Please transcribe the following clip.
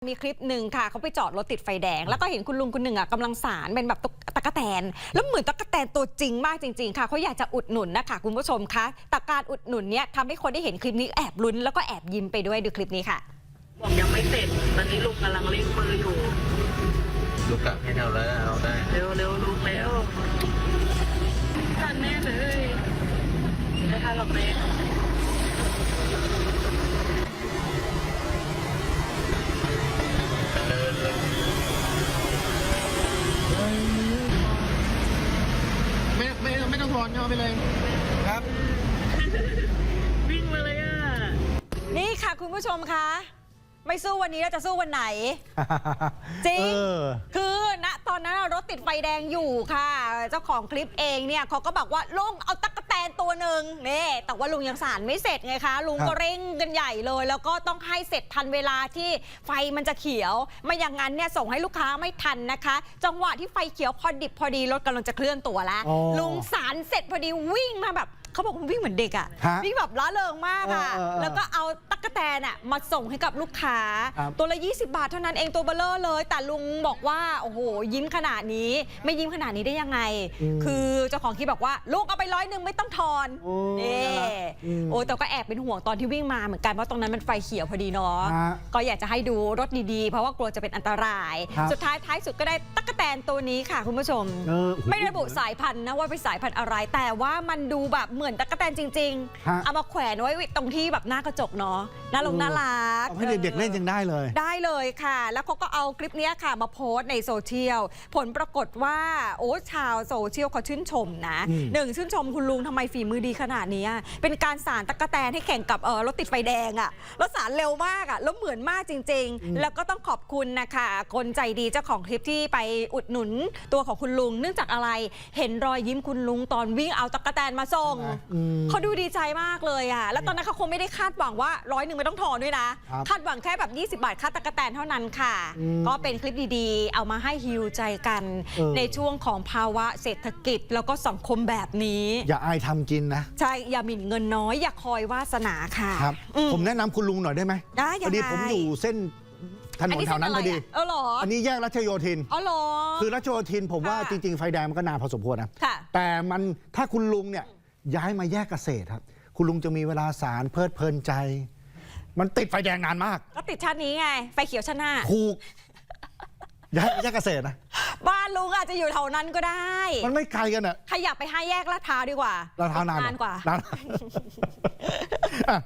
มีคลิปหนึ่งค่ะเขาไปจอดรถติดไฟแดงแล้วก็เห็นคุณลุงคนหนึ่งอ่ะกำลังสารเป็นแบบตะกแตนแล้วเหมือนตะกแตนตัวจริงมากจริงๆค่ะเขาอยากจะอุดหนุนนะคะคุณผู้ชมคะแต่การอุดหนุนเนี้ยทำให้คนได้เห็นคลิปนี้แอบลุ้นแล้วก็แอบยิ้มไปด้วยดูคลิปนี้ค่ะบอกยังไม่เสร็จตอนนี้ลุงกำลังเร่งมืออยู่ลูกกะให้เราแล้วเอาได้เร็วลุงแล้วทันแน่เลยไม่ทันหรอกแม่ไม่ต้องถอนเอาไปเลยครับวิ่งมาเลยอ่ะนี่ค่ะคุณผู้ชมคะไม่สู้วันนี้แล้วจะสู้วันไหน จริงคือณตอนนั้นรถติดไฟแดงอยู่ค่ะเจ้าของคลิปเองเนี่ยเขาก็บอกว่าลุงเอาตั๊กแตนตัวหนึ่งนี่แต่ว่าลุงยังสารไม่เสร็จไงคะลุงก็เร่งกันใหญ่เลยแล้วก็ต้องให้เสร็จทันเวลาที่ไฟมันจะเขียวไม่อย่างนั้นเนี่ยส่งให้ลูกค้าไม่ทันนะคะจังหวะที่ไฟเขียวพอดิบพอดีรถกำลังจะเคลื่อนตัวแล้วลุงสารเสร็จพอดีวิ่งมาแบบเขาบอกว่าวิ่งเหมือนเด็กอ่ะวิ่งแบบล้าเริงมากอ่ะแล้วก็เอาตั๊กแตนอ่ะมาส่งให้กับลูกค้าตัวละ20 บาทเท่านั้นเองตัวเบลเลอร์เลยแต่ลุงบอกว่าโอ้โหยิ้มขนาดนี้ไม่ยิ้มขนาดนี้ได้ยังไงคือเจ้าของคลิปบอกว่าลูกเอาไป100ไม่ต้องทอนนี่โอ้แต่ก็แอบเป็นห่วงตอนที่วิ่งมาเหมือนกันเพราะตรงนั้นมันไฟเขียวพอดีเนาะก็อยากจะให้ดูรถดีๆเพราะว่ากลัวจะเป็นอันตรายสุดท้ายสุดก็ได้ตั๊กแตนตัวนี้ค่ะคุณผู้ชมไม่ระบุสายพันธุ์นะว่าเป็นสายพันธุ์อะไรแต่ว่ามันดูแบบเหมือนตั๊กแตนจริงๆเอามาแขวนไว้ตรงที่แบบหน้ากระจกเนาะน่ารักให้เด็กๆเล่นยังได้เลยค่ะแล้วเขาก็เอาคลิปนี้ค่ะมาโพสต์ในโซเชียลผลปรากฏว่าโอ้ชาวโซเชียลเขาชื่นชมนะชื่นชมคุณลุงทำไมฝีมือดีขนาดนี้เป็นการสารตั๊กแตนให้แข่งกับรถติดไฟแดงอ่ะแล้วสารเร็วมากอ่ะแล้วเหมือนมากจริงๆแล้วก็ต้องขอบคุณนะคะคนใจดีเจ้าของคลิปที่ไปอุดหนุนตัวของคุณลุงเนื่องจากอะไรเห็นรอยยิ้มคุณลุงตอนวิ่งเอาตั๊กแตนมาส่งเขาดูดีใจมากเลยอ่ะแล้วตอนนั้นเขาคงไม่ได้คาดหวังว่า100ไม่ต้องถอนด้วยนะคาดหวังแค่แบบ20 บาทค่าตั๊กแตนเท่านั้นค่ะก็เป็นคลิปดีๆเอามาให้ฮีลใจกันในช่วงของภาวะเศรษฐกิจแล้วก็สังคมแบบนี้อย่าอายทำกินนะใช่อย่าหมิ่นเงินน้อยอย่าคอยวาสนาค่ะครับผมแนะนำคุณลุงหน่อยได้ไหมได้พอดีผมอยู่เส้นถนนแถวนั้นพอดีอันนี้แยกรัชโยธินคือรัชโยธินผมว่าจริงๆไฟแดงมันก็นานพอสมควรนะแต่มันถ้าคุณลุงเนี่ยย้ายมาแยกเกษตรครับคุณลุงจะมีเวลาสารเพลิดเพลินใจมันติดไฟแดงนานมากก็ติดชาตินี้ไงไฟเขียวชาติหน้าถูกย้ายเกษตรนะบ้านลุงอาจจะอยู่แถวนั้นก็ได้มันไม่ไกลกันอ่ะขยับไป5 แยกลาดพร้าวดีกว่าลาดพร้าวนานกว่า